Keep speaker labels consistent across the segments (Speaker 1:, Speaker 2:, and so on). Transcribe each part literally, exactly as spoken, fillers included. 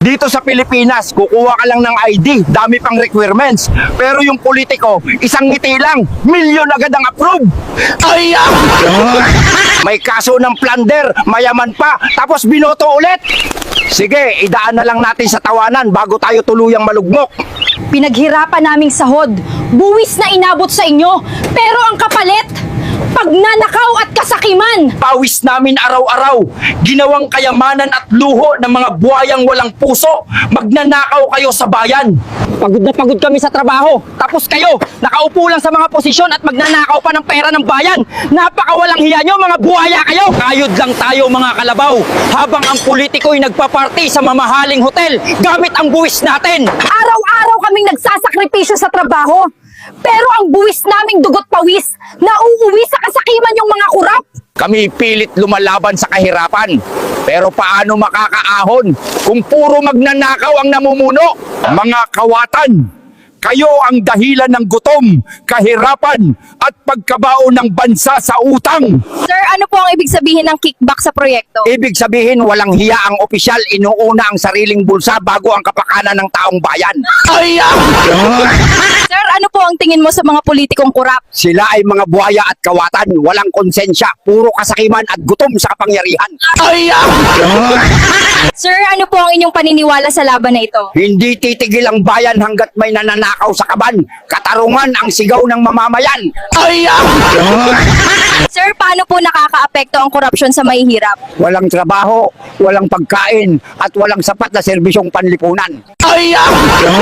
Speaker 1: Dito sa Pilipinas, kukuha ka lang ng I D, dami pang requirements. Pero yung politiko, isang ngiti lang, milyon agad ang approve. Ay, ah! May kaso ng plunder, mayaman pa, tapos binoto ulit. Sige, idaan na lang natin sa tawanan bago tayo tuluyang malugmok.
Speaker 2: Pinaghirapan naming sahod, buwis na inabot sa inyo, pero ang kapalit, pagnanakaw at kasakiman.
Speaker 1: Pawis namin araw-araw, ginawang kayamanan at luho ng mga buhayang walang puso. Magnanakaw kayo sa bayan. Pagod na pagod kami sa trabaho. Tapos kayo, nakaupo lang sa mga posisyon at magnanakaw pa ng pera ng bayan. Napakawalang hiya nyo, mga buhaya kayo. Kayod lang tayo, mga kalabaw, habang ang politiko'y nagpaparty sa mamahaling hotel gamit ang buwis natin.
Speaker 2: Araw-araw kaming nagsasakripisyo sa trabaho, pero ang buwis naming dugot pawis, nauuwi sa kasakiman yung mga kurap.
Speaker 1: Kami pilit lumalaban sa kahirapan. Pero paano makakaahon kung puro magnanakaw ang namumuno? Mga kawatan, kayo ang dahilan ng gutom, kahirapan, at pagkabao ng bansa sa utang.
Speaker 2: Sir, ano po ang ibig sabihin ng kickback sa proyekto?
Speaker 1: Ibig sabihin, walang hiya ang opisyal, inuuna ang sariling bulsa bago ang kapakanan ng taong bayan. Ay, ah!
Speaker 2: Sir, ano po ang tingin mo sa mga politikong kurap?
Speaker 1: Sila ay mga buhaya at kawatan, walang konsensya, puro kasakiman at gutom sa kapangyarihan. Ay, ah!
Speaker 2: Sir, ano po ang inyong paniniwala sa laban na ito?
Speaker 1: Hindi titigil ang bayan hanggat may nananakaw sa kaban. Katarungan ang sigaw ng mamamayan. Ay, ah!
Speaker 2: Sir, paano po nakakaapekto ang korupsyon sa mahihirap?
Speaker 1: Walang trabaho, walang pagkain, at walang sapat na serbisyong panlipunan. Ay, ah!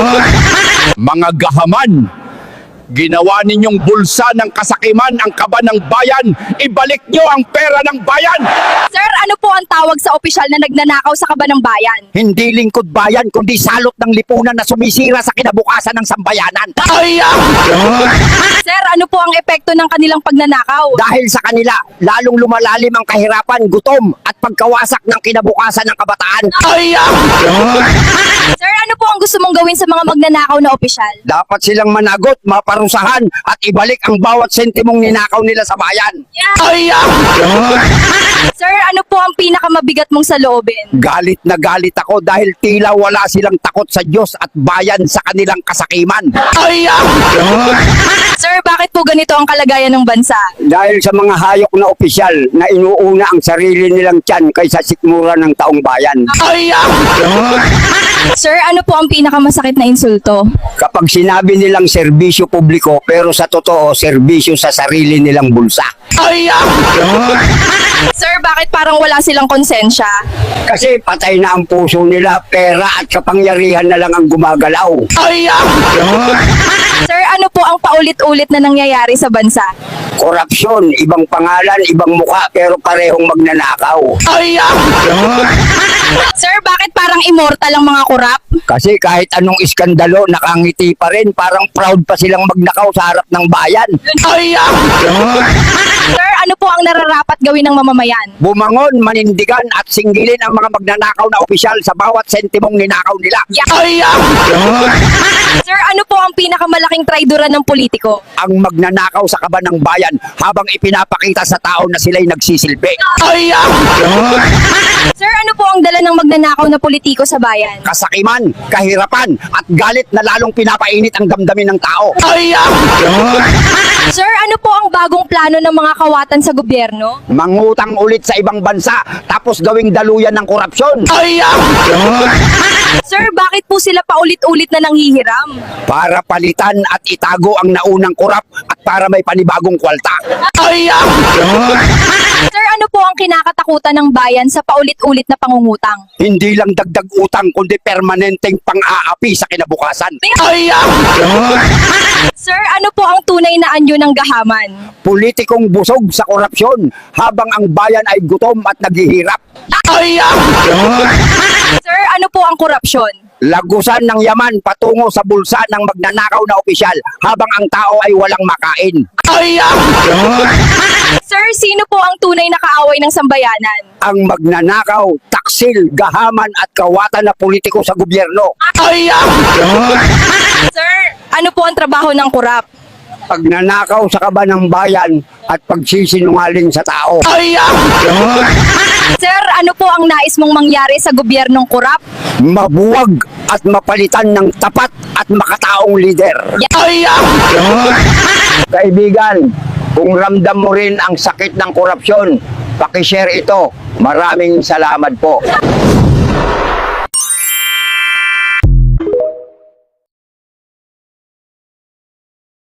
Speaker 1: Mga gahaman, ginawa ninyong bulsa ng kasakiman ang kaba ng bayan. Ibalik nyo ang pera ng bayan.
Speaker 2: Sir, ano po ang tawag sa opisyal na nagnanakaw sa kaba ng bayan?
Speaker 1: Hindi lingkod bayan, kundi salot ng lipunan na sumisira sa kinabukasan ng sambayanan. Ay, ah!
Speaker 2: Sir, ano po ang epekto ng kanilang pagnanakaw?
Speaker 1: Dahil sa kanila, lalong lumalalim ang kahirapan, gutom, at pagkawasak ng kinabukasan ng kabataan. Ay, ah!
Speaker 2: Sir, ano po ang gusto mong gawin sa mga magnanakaw na opisyal?
Speaker 1: Dapat silang managot, maparusahan, at ibalik ang bawat sentimong ninakaw nila sa bayan. Ay, ah!
Speaker 2: Sir, ano po ang pinakamabigat mong saloobin?
Speaker 1: Galit na galit ako dahil tila wala silang takot sa Diyos at bayan sa kanilang kasakiman. Ay, ah!
Speaker 2: Sir, bakit po ganito ang kalagayan ng bansa?
Speaker 1: Dahil sa mga hayok na opisyal na inuuna ang sarili nilang tiyan kaysa sikmura ng taong bayan. Ay, ah!
Speaker 2: Sir, ano po ang pinakamasakit na insulto?
Speaker 1: Kapag sinabi nilang serbisyo publiko pero sa totoo serbisyo sa sarili nilang bulsa. Ay, ah!
Speaker 2: Sir, bakit parang wala silang konsensya?
Speaker 1: Kasi patay na ang puso nila, pera at kapangyarihan na lang ang gumagalaw. Ay, ah!
Speaker 2: Sir, ano po ang paulit-ulit na nangyayari sa bansa?
Speaker 1: Korupsyon, ibang pangalan, ibang mukha pero parehong magnanakaw. Ay, ah!
Speaker 2: Sir, bakit parang immortal ang mga kurap?
Speaker 1: Kasi kahit anong iskandalo, nakangiti pa rin, parang proud pa silang magnakaw sa harap ng bayan. Ay, ah!
Speaker 2: Sir, ano po ang nararapat gawin ng mamamayan?
Speaker 1: Bumangon, manindigan at singgilin ang mga magnanakaw na opisyal sa bawat sentimong ninakaw nila.
Speaker 2: Yeah.
Speaker 1: Ay, ah!
Speaker 2: Sir, ano po ang pinakamalaking traidoran ng politiko?
Speaker 1: Ang magnanakaw sa kaban ng bayan habang ipinapakita sa tao na sila'y nagsisilbi. Ay, ah!
Speaker 2: Sir, ano po ang dala ng magnanakaw na politiko sa bayan?
Speaker 1: Kasakiman, kahirapan, at galit na lalong pinapainit ang damdamin ng tao. Ay, ah!
Speaker 2: Sir, ano po ang bagong plano ng mga kawatan sa gobyerno?
Speaker 1: Mangutang ulit sa ibang bansa, tapos gawing daluyan ng korupsyon. Ay, ah!
Speaker 2: Sir, bakit po sila paulit-ulit na nanghihiram?
Speaker 1: Para palitan at itago ang naunang korap at para may panibagong kwalta. Ay, ah!
Speaker 2: Sir, ano po ang kinakatakutan ng bayan sa paulit-ulit na pangungutang?
Speaker 1: Hindi lang dagdag utang, kundi permanenteng pang-aapi sa kinabukasan. Ay, ah!
Speaker 2: Sir, ano po ang tunay na anyo ng gahaman?
Speaker 1: Politikong busog sa korupsyon habang ang bayan ay gutom at naghihirap. Ay, ah!
Speaker 2: Sir, ano po ang korupsyon?
Speaker 1: Lagusan ng yaman patungo sa bulsa ng magnanakaw na opisyal habang ang tao ay walang makain. Ay, ah!
Speaker 2: Sir, sino po ang tunay na kaaway ng sambayanan?
Speaker 1: Ang magnanakaw, taksil, gahaman at kawatan na politiko sa gobyerno. Ay, ah!
Speaker 2: Sir, ano po ang trabaho ng kurap?
Speaker 1: Pagnanakaw sa kaban ng bayan at pagsisinungaling sa tao. Ay, ah!
Speaker 2: Sir, ano po ang nais mong mangyari sa gobyernong korap?
Speaker 3: Mabuwag at mapalitan ng tapat at makataong lider.
Speaker 1: Ay!
Speaker 3: Kaibigan, kung ramdam mo rin ang sakit ng korupsyon, pakishare ito. Maraming salamat po.